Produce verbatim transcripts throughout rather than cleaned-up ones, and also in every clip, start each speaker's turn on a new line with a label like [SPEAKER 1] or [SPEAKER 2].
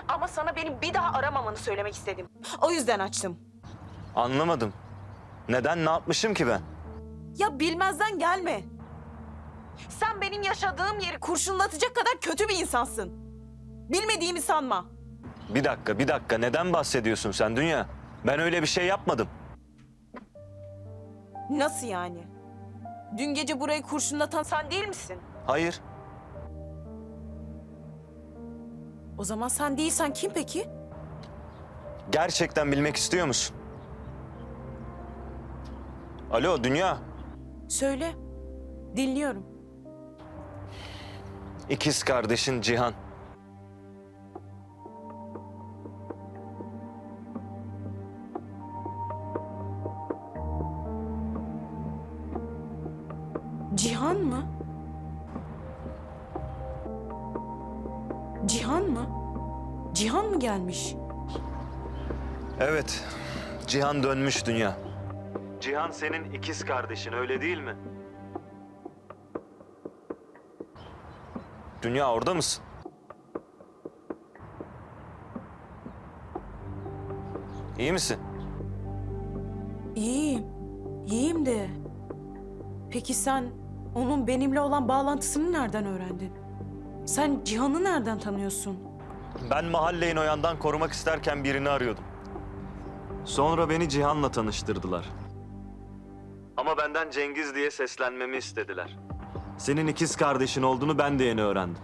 [SPEAKER 1] Ama sana benim bir daha aramamanı söylemek istedim. O yüzden açtım.
[SPEAKER 2] Anlamadım. Neden, ne yapmışım ki ben?
[SPEAKER 1] Ya bilmezden gelme. Sen benim yaşadığım yeri kurşunlatacak kadar kötü bir insansın. Bilmediğimi sanma.
[SPEAKER 2] Bir dakika, bir dakika. Neden bahsediyorsun sen Dünya? Ben öyle bir şey yapmadım.
[SPEAKER 1] Nasıl yani? Dün gece burayı kurşunlatan sen değil misin?
[SPEAKER 2] Hayır.
[SPEAKER 1] O zaman sen değilsen kim peki?
[SPEAKER 2] Gerçekten bilmek istiyor musun? Alo Dünya.
[SPEAKER 1] Söyle. Dinliyorum.
[SPEAKER 2] İkiz kardeşin Cihan.
[SPEAKER 1] Cihan mı? Cihan mı? Cihan mı gelmiş?
[SPEAKER 2] Evet. Cihan dönmüş Dünya. Cihan senin ikiz kardeşin, öyle değil mi? Dünya, orada mısın? İyi misin?
[SPEAKER 1] İyiyim. İyiyim de. Peki sen onun benimle olan bağlantısını nereden öğrendin? Sen Cihan'ı nereden tanıyorsun?
[SPEAKER 2] Ben mahalleyi Noyan'dan korumak isterken birini arıyordum. Sonra beni Cihan'la tanıştırdılar. Ama benden Cengiz diye seslenmemi istediler. Senin ikiz kardeşin olduğunu ben de yeni öğrendim.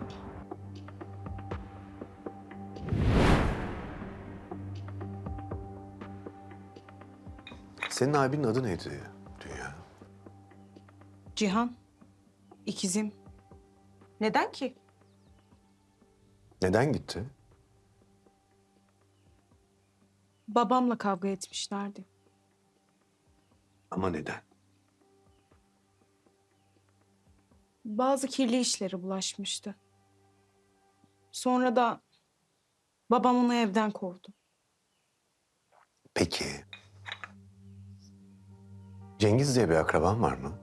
[SPEAKER 3] Senin abinin adı neydi Dünya?
[SPEAKER 1] Cihan. İkizim. Neden ki?
[SPEAKER 3] Neden gitti?
[SPEAKER 1] Babamla kavga etmişlerdi.
[SPEAKER 3] Ama neden?
[SPEAKER 1] Bazı kirli işlere bulaşmıştı. Sonra da babam onu evden kovdu.
[SPEAKER 3] Peki. Cengiz diye bir akraban var mı?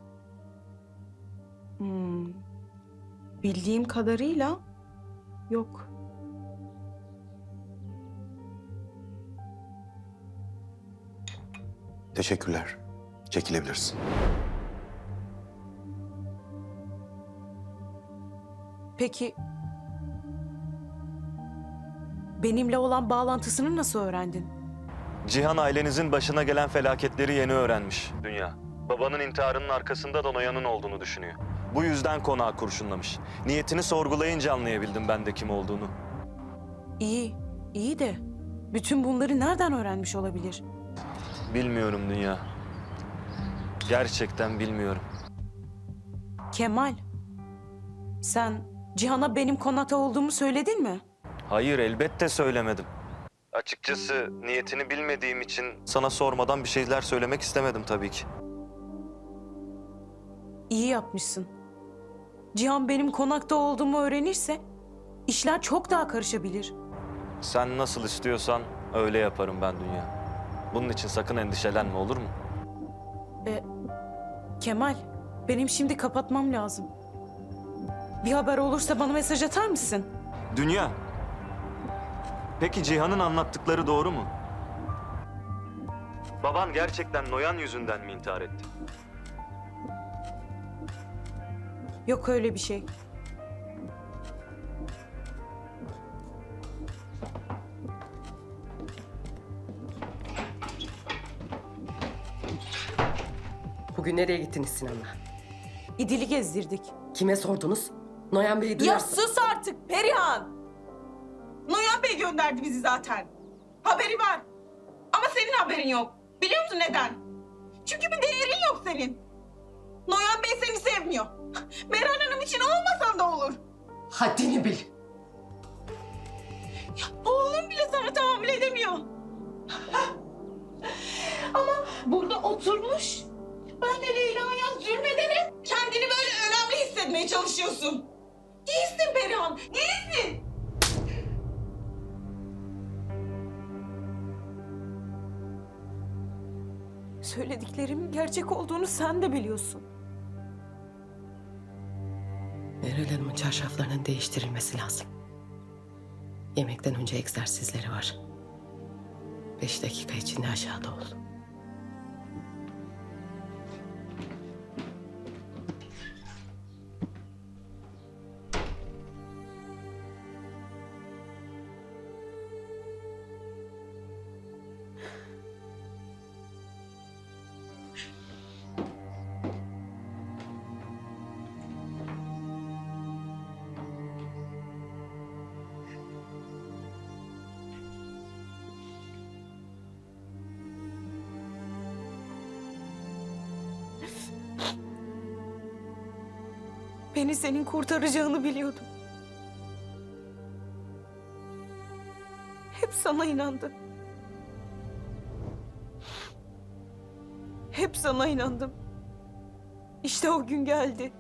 [SPEAKER 1] Hmm. Bildiğim kadarıyla yok.
[SPEAKER 3] Teşekkürler. Çekilebilirsin.
[SPEAKER 1] Peki benimle olan bağlantısını nasıl öğrendin?
[SPEAKER 2] Cihan ailenizin başına gelen felaketleri yeni öğrenmiş Dünya. Babanın intiharının arkasında da Noyan'ın olduğunu düşünüyor. Bu yüzden konağı kurşunlamış. Niyetini sorgulayınca anlayabildim ben de kim olduğunu.
[SPEAKER 1] İyi, iyi de bütün bunları nereden öğrenmiş olabilir?
[SPEAKER 2] Bilmiyorum Dünya. Gerçekten bilmiyorum.
[SPEAKER 1] Kemal, sen Cihan'a benim konakta olduğumu söyledin mi?
[SPEAKER 2] Hayır, elbette söylemedim. Açıkçası niyetini bilmediğim için sana sormadan bir şeyler söylemek istemedim tabii ki.
[SPEAKER 1] İyi yapmışsın. Cihan benim konakta olduğumu öğrenirse işler çok daha karışabilir.
[SPEAKER 2] Sen nasıl istiyorsan öyle yaparım ben Dünya. Bunun için sakın endişelenme, olur mu?
[SPEAKER 1] E, Kemal, benim şimdi kapatmam lazım. Bir haber olursa bana mesaj atar mısın?
[SPEAKER 2] Dünya. Peki Cihan'ın anlattıkları doğru mu? Baban gerçekten Noyan yüzünden mi intihar etti?
[SPEAKER 1] Yok öyle bir şey.
[SPEAKER 4] Bugün nereye gittiniz Sinan'la?
[SPEAKER 1] İdil'i gezdirdik.
[SPEAKER 4] Kime sordunuz? Noyan Bey'i
[SPEAKER 1] Ya
[SPEAKER 4] duyarsın.
[SPEAKER 1] sus artık Perihan!
[SPEAKER 5] Noyan Bey gönderdi bizi zaten. Haberi var. Ama senin haberin yok. Biliyor musun neden? Çünkü bir değerin yok senin. Noyan Bey seni sevmiyor. Meral Hanım için olmasan da olur.
[SPEAKER 4] Haddini bil.
[SPEAKER 5] Ya, oğlum bile sana tahammül edemiyor. Ama burada oturmuş. Ben de Leyla'ya zulmederek kendini böyle önemli hissetmeye çalışıyorsun. Değilsin Perihan, değilsin.
[SPEAKER 1] Söylediklerimin gerçek olduğunu sen de biliyorsun.
[SPEAKER 4] Meral Hanım'ın çarşaflarının değiştirilmesi lazım. Yemekten önce egzersizleri var. Beş dakika içinde aşağıda ol.
[SPEAKER 1] Beni senin kurtaracağını biliyordum. Hep sana inandım. Hep sana inandım. İşte o gün geldi.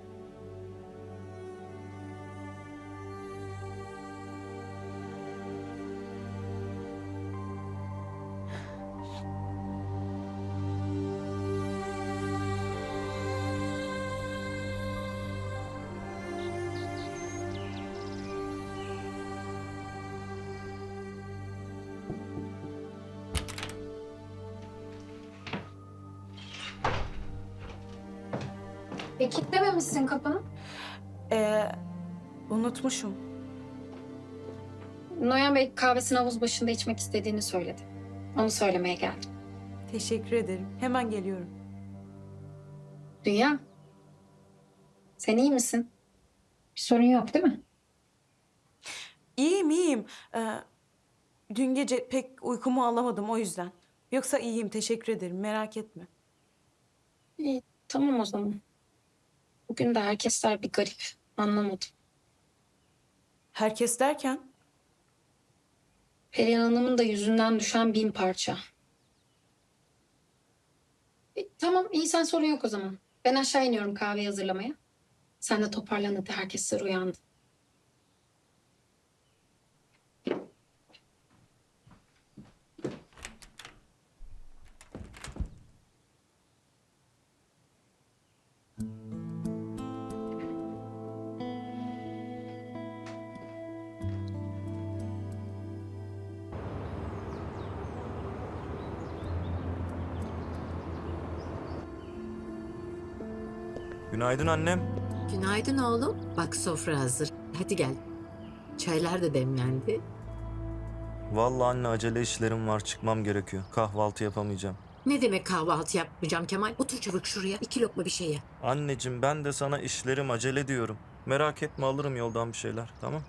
[SPEAKER 6] E kilitlememişsin kapını.
[SPEAKER 1] Ee, unutmuşum.
[SPEAKER 6] Noyan Bey kahvesini havuz başında içmek istediğini söyledi. Onu söylemeye geldim.
[SPEAKER 1] Teşekkür ederim. Hemen geliyorum.
[SPEAKER 6] Dünya. Sen iyi misin? Bir sorun yok değil mi?
[SPEAKER 1] İyiyim, iyiyim. Ee, dün gece pek uykumu alamadım o yüzden. Yoksa iyiyim, teşekkür ederim. Merak etme.
[SPEAKER 6] İyi, tamam o zaman. Bugün de herkesler bir garip. Anlamadım.
[SPEAKER 1] Herkes derken?
[SPEAKER 6] Perihan Hanım'ın da yüzünden düşen bin parça. E, tamam iyi sen sorun yok o zaman. Ben aşağı iniyorum kahve hazırlamaya. Sen de toparlan hadi herkesler uyandı.
[SPEAKER 2] Günaydın annem.
[SPEAKER 7] Günaydın oğlum. Bak sofra hazır. Hadi gel. Çaylar da demlendi.
[SPEAKER 2] Vallahi anne acele işlerim var, çıkmam gerekiyor. Kahvaltı yapamayacağım.
[SPEAKER 7] Ne demek kahvaltı yapmayacağım Kemal? Otur çabuk şuraya. İki lokma bir şey ye.
[SPEAKER 2] Anneciğim ben de sana işlerim acele diyorum. Merak etme alırım yoldan bir şeyler, tamam?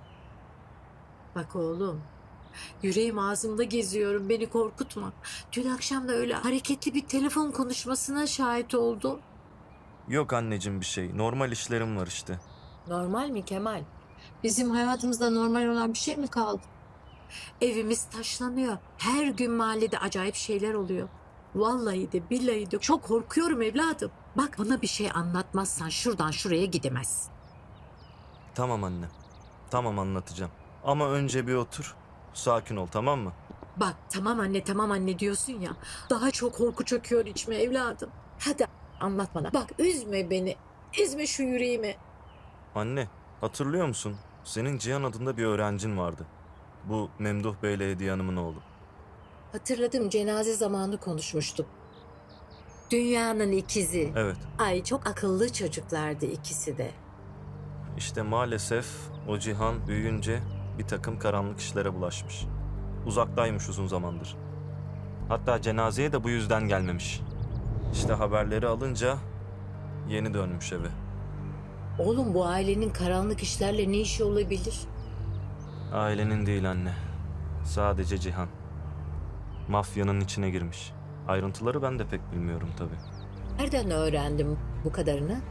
[SPEAKER 7] Bak oğlum. Yüreğim ağzımda geziyorum. Beni korkutma. Dün akşam da öyle hareketli bir telefon konuşmasına şahit oldum.
[SPEAKER 2] Yok anneciğim bir şey. Normal işlerim var işte.
[SPEAKER 7] Normal mi Kemal? Bizim hayatımızda normal olan bir şey mi kaldı? Evimiz taşlanıyor. Her gün mahallede acayip şeyler oluyor. Vallahi de billahi de çok korkuyorum evladım. Bak bana bir şey anlatmazsan şuradan şuraya gidemezsin.
[SPEAKER 2] Tamam anne. Tamam anlatacağım. Ama önce bir otur. Sakin ol, tamam mı?
[SPEAKER 7] Bak tamam anne tamam anne diyorsun ya. Daha çok korku çöküyor içime evladım. Hadi anlat bana. Bak üzme beni. Üzme şu yüreğimi.
[SPEAKER 2] Anne, hatırlıyor musun? Senin Cihan adında bir öğrencin vardı. Bu Memduh Bey'le Hediye Hanım'ın oğlu.
[SPEAKER 7] Hatırladım cenaze zamanı konuşmuştuk. Dünyanın ikizi.
[SPEAKER 2] Evet.
[SPEAKER 7] Ay çok akıllı çocuklardı ikisi de.
[SPEAKER 2] İşte maalesef o Cihan büyüyünce bir takım karanlık işlere bulaşmış. Uzaktaymış uzun zamandır. Hatta cenazeye de bu yüzden gelmemiş. İşte haberleri alınca yeni dönmüş eve.
[SPEAKER 7] Oğlum bu ailenin karanlık işlerle ne işi olabilir?
[SPEAKER 2] Ailenin değil anne. Sadece Cihan. Mafyanın içine girmiş. Ayrıntıları ben de pek bilmiyorum tabii.
[SPEAKER 7] Nereden öğrendim bu kadarını?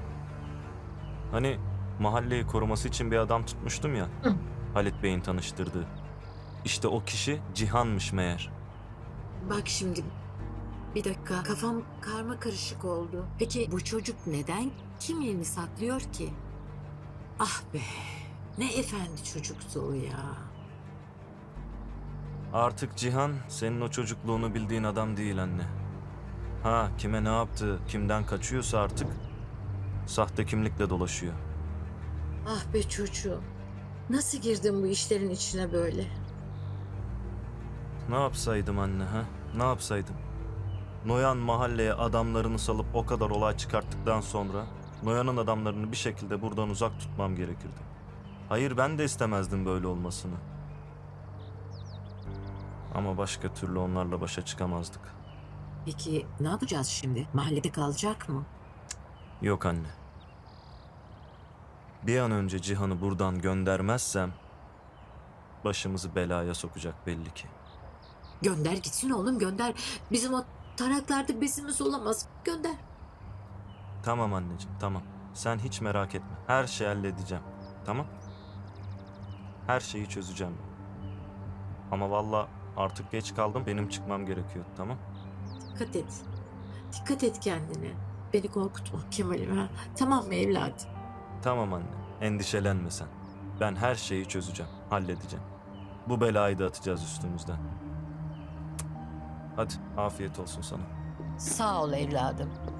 [SPEAKER 2] Hani mahalleyi koruması için bir adam tutmuştum ya.
[SPEAKER 7] Hı.
[SPEAKER 2] Halit Bey'in tanıştırdığı. İşte o kişi Cihan'mış meğer.
[SPEAKER 7] Bak şimdi bir dakika kafam karma karışık oldu. Peki bu çocuk neden kimliğini saklıyor ki? Ah be ne efendi çocuktu o ya.
[SPEAKER 2] Artık Cihan senin o çocukluğunu bildiğin adam değil anne. Ha kime ne yaptı, kimden kaçıyorsa artık sahte kimlikle dolaşıyor.
[SPEAKER 7] Ah be çocuğum. Nasıl girdin bu işlerin içine böyle?
[SPEAKER 2] Ne yapsaydım anne ha? Ne yapsaydım? Noyan mahalleye adamlarını salıp o kadar olay çıkarttıktan sonra Noyan'ın adamlarını bir şekilde buradan uzak tutmam gerekirdi. Hayır, ben de istemezdim böyle olmasını. Ama başka türlü onlarla başa çıkamazdık.
[SPEAKER 7] Peki ne yapacağız şimdi? Mahallede kalacak mı?
[SPEAKER 2] Yok anne. Bir an önce Cihan'ı buradan göndermezsem başımızı belaya sokacak belli ki.
[SPEAKER 7] Gönder gitsin oğlum, gönder. Bizim o taraklarda bezimiz olamaz. Gönder.
[SPEAKER 2] Tamam anneciğim, tamam. Sen hiç merak etme. Her şeyi halledeceğim. Tamam? Her şeyi çözeceğim. Ama valla artık geç kaldım. Benim çıkmam gerekiyor. Tamam?
[SPEAKER 7] Dikkat et. Dikkat et kendine. Beni korkutma Kemal'im ha. Tamam mı evladım?
[SPEAKER 2] Tamam anne. Endişelenme sen. Ben her şeyi çözeceğim. Halledeceğim. Bu belayı da atacağız üstümüzden. Hadi afiyet olsun sana.
[SPEAKER 7] Sağ ol evladım.